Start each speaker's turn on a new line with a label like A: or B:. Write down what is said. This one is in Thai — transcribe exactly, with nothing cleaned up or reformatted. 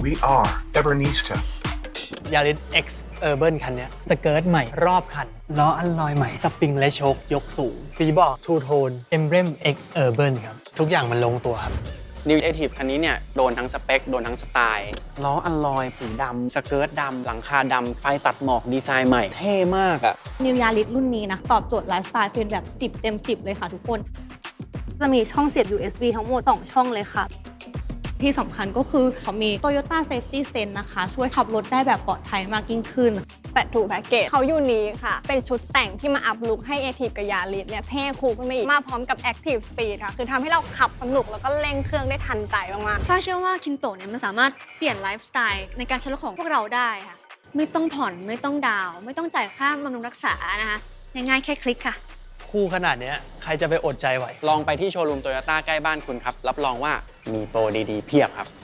A: we are Ebernista
B: Yaris X Urban คันนี้สเกิร์ตใหม่รอบคันล้ออัลลอยใหม่สปริงและโชคยกสูงฟีบอกทูโทน Emblem X Urban ครับทุกอย่างมันลงตัวครับ
C: New Active คันนี้เนี่ยโดนทั้งสเปคโดนทั้งสไตล์ล้ออัลลอยสีดำสเกิร์ตดำหลังคาดำไฟตัดหมอกดีไซน์ใหม่เท่มากอะ
D: New Yaris รุ่นนี้นะตอบโจทย์ไลฟ์สไตล์เป็นแบบสิบเต็มสิบเลยค่ะทุกคน
E: จะมีช่องเสียบ ยู เอส บี ทั้งหมดสองช่องเลยค่ะ
D: ที่สำคัญก็คือเขามี Toyota Safety Sense นะคะช่วยขับรถได้แบบปลอดภัยมากยิ่งขึ้น
E: แปดทูแพ็กเกจเขายูนิคค่ะเป็นชุดแต่งที่มาอัพลุคให้ Active กับ Yaris เนี่ยเท่คูลขึ้นมาอีกมาพร้อมกับ Active Speed ค่ะคือทำให้เราขับสนุกแล้วก็เร่งเครื่องได้ทันใจมากๆ
F: ฟ้าเชื่อว่าคินโตะเนี่ยมันสามารถเปลี่ยนไลฟ์สไตล์ในการใช้รถของพวกเราได้ค่ะไม่ต้องผ่อนไม่ต้องดาวน์ไม่ต้องจ่ายค่าบำรุงรักษานะคะง่ายๆแค่คลิกค่ะ
B: คู่ขนาดนี้ใครจะไปอดใจไหว
C: ลองไปที่โชว์รูมโตโยต้าใกล้บ้านคุณครับรับรองว่ามีโปรดีๆเพียบครับ